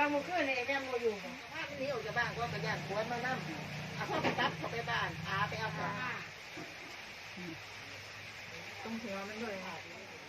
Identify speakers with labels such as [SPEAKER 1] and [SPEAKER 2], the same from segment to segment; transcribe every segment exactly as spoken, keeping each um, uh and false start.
[SPEAKER 1] มือขึ้นเลยแม่โมอยู่ว่านี้ออกจากบ้านก็กระยานปวดมานั่งเอาพ่อไปตัดเขาไปบ้านอาไปเอาของตรงหัวมันด้วยค่ะ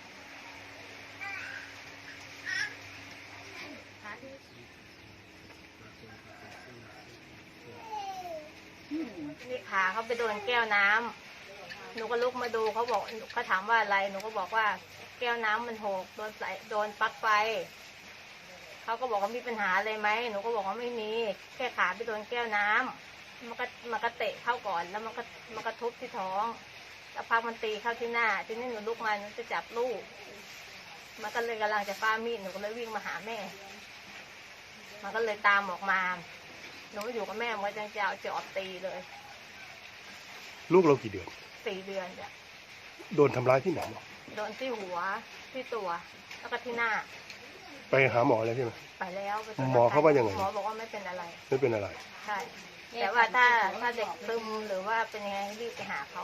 [SPEAKER 2] นี่ขาเขาไปโดนแก้วน้ำหนูก็ลุกมาดูเขาบอกเขาถามว่าอะไรหนูก็บอกว่าแก้วน้ำมันหกโดนใส่โดนปลั๊กไฟเขาก็บอกว่ามีปัญหาอะไรไหมหนูก็บอกว่าไม่มีแค่ขาไปโดนแก้วน้ำมันก็มันก็เตะเข้าก่อนแล้วมันก็มันก็ทุบที่ท้องแล้วพักมันตีเข้าที่หน้าทีนี้หนูลุกมาหนูจะจับลูกมันก็เลยกำลังจะฟ้ามีดหนูก็เลยวิ่งมาหาแม่มันก็เลยตามออกมาหนูอยู่กับแม่มันก็จะเอาจอบตีเลย
[SPEAKER 3] ลูกเรากี่เดือน
[SPEAKER 2] สี่เดือนจ้ะ
[SPEAKER 3] โดนทำร้ายที่ไหน
[SPEAKER 2] โดนที่หัวที่ตัวแล้วก็ที่หน้า
[SPEAKER 3] ไปหาหมอแล้วใช่ไหม
[SPEAKER 2] ไปแล้ว
[SPEAKER 3] หมอเขาว่ายังไง
[SPEAKER 2] หมอบอกว่าไม่เป็นอะไร
[SPEAKER 3] ไม่เป็นอะไร
[SPEAKER 2] ใช่แต่ว่าถ้าถ้าเด็กซึมหรือว่าเป็นยังไงรีบไปหาเขา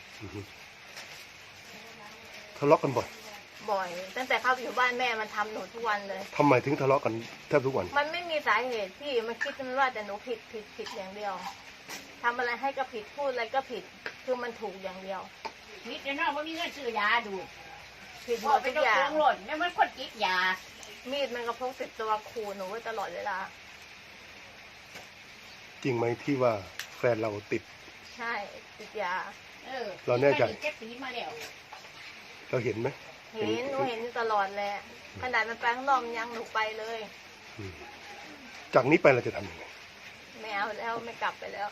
[SPEAKER 3] ทะเลาะกันบ่อย
[SPEAKER 2] บ่อยตั้งแต่เข้าไปอยู่บ้านแม่มันทำหนูทุกวันเลย
[SPEAKER 3] ทำไมถึงทะเลาะกันแทบทุกวัน
[SPEAKER 2] มันไม่มีสาเหตุที่มันคิดมันว่าแต่หนูผิดผิดผิดอย่างเดียวทำอะไรให้ก็ผิดพูดอะไรก็ผิดคือมันถูกอย่างเดียว
[SPEAKER 1] นิดเดียวน้องว่ามีเงินซื้อยาดู
[SPEAKER 2] ผิดหมดทุกอย่าง
[SPEAKER 1] หล่นแล้วมันคนกินยา
[SPEAKER 2] มีดมันก็พกติดตัวขู่หนูไว้ตลอดเวลา
[SPEAKER 3] จริงไหมที่ว่าแฟนเราติด
[SPEAKER 2] ใช่ติดยา
[SPEAKER 1] เออ
[SPEAKER 3] เราแน่ใจ
[SPEAKER 1] เจ็บปีมาแล้ว
[SPEAKER 3] เราเห็นไหม
[SPEAKER 2] เห็นหนูเห็นตลอดเลยขนาดมันไปข้างนอกยังหนูไปเลย
[SPEAKER 3] จากนี้ไปเราจะทำยังไง
[SPEAKER 2] ไม่เอาแล้วไม่กลับไปแล้ว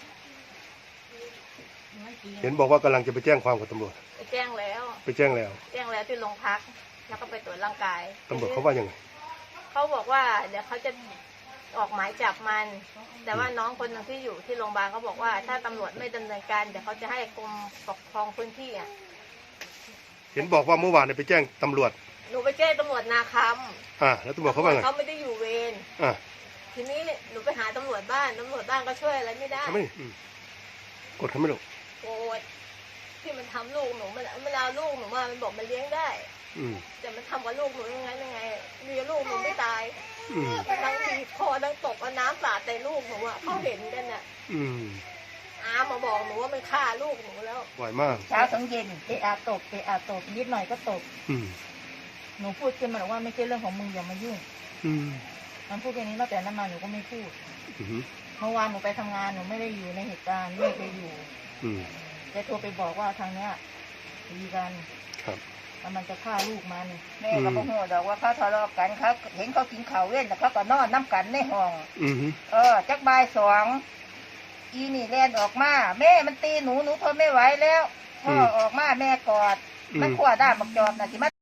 [SPEAKER 3] เห็นบอกว่ากำลังจะไปแจ้งความกับตำรวจ
[SPEAKER 2] ไปแจ้งแล้ว
[SPEAKER 3] ไปแจ้งแล้ว
[SPEAKER 2] แจ้งแล้วที่โรงพักแล้วก็ไปตรวจร่างกาย
[SPEAKER 3] ตำรวจเขาว่ายังไง
[SPEAKER 2] เขาบอกว่าเดี๋ยวเขาจะออกหมายจับมันแต่ว่าน้องคนหนึ่งที่อยู่ที่โรงพยาบาลเขาบอกว่าถ้าตำรวจไม่ดำเนินการเดี๋ยวเขาจะให้กรมปกครองพื้นที่อ่ะ
[SPEAKER 3] เห็นบอกว่าเมื่อวานเนี่ยไปแจ้งตำรวจ
[SPEAKER 2] หนูไปแจ้งตำรวจนาค
[SPEAKER 3] ำอ่าแล้วตำรวจเขาว่าไง
[SPEAKER 2] เขาไม่ได้อยู่เวร
[SPEAKER 3] อ่า
[SPEAKER 2] ทีนี้หนูไปหาตำรวจบ้านตำรวจบ้านก็ช่วยอะไรไม่ได้
[SPEAKER 3] ไม่กดเขาไม่ลง
[SPEAKER 2] โกรธที่มันทำลูกหนูมันมันเอาลูกหนูมามันบอกมันเลี้ยงได้แต่มันทำกับลูกหนูยังไงยังไงเลี้ยงลูกหนูไม่ตายทั้งทีคอทั้งตกเอาน้ำสาดใส่ลูกหนูอ่ะเขาเห็นกันน่ะอามาบอกหนูว่ามันฆ่าลูกหนูแล้ว
[SPEAKER 3] ไหวมาก
[SPEAKER 1] เช้าถึงเย็นเอะอาตบเอะอาตบนิดหน่อยก็ตบหนูพูดขึ้นมาบอกว่าไม่ใช่เรื่องของมึงอย่ามายุ่งมันพูดแค่นี้ตั้งแต่นั้นมาหนูก็ไม่พูดเมื่อวานหนูไปทำงานหนูไม่ได้อยู่ในเหตุการณ์ไม่เคยอยู่แกโทรไปบอกว่าทางเนี้ยดีกันแล้วมันจะฆ่าลูกมันแม่ก็บอกหัวดอกว่าเขาทะเลาะกันเขาเห็นเขากินข้าวเว้นแต่เขาก็นอนน้ำกันในห้องเออจักบ่ายสองอีนี่แล่นออกมาแม่มันตีหนูหนูทนไม่ไหวแล้วพ่อออกมาแม่กอดมันขวดด้ามบักจอบน่ะสิมา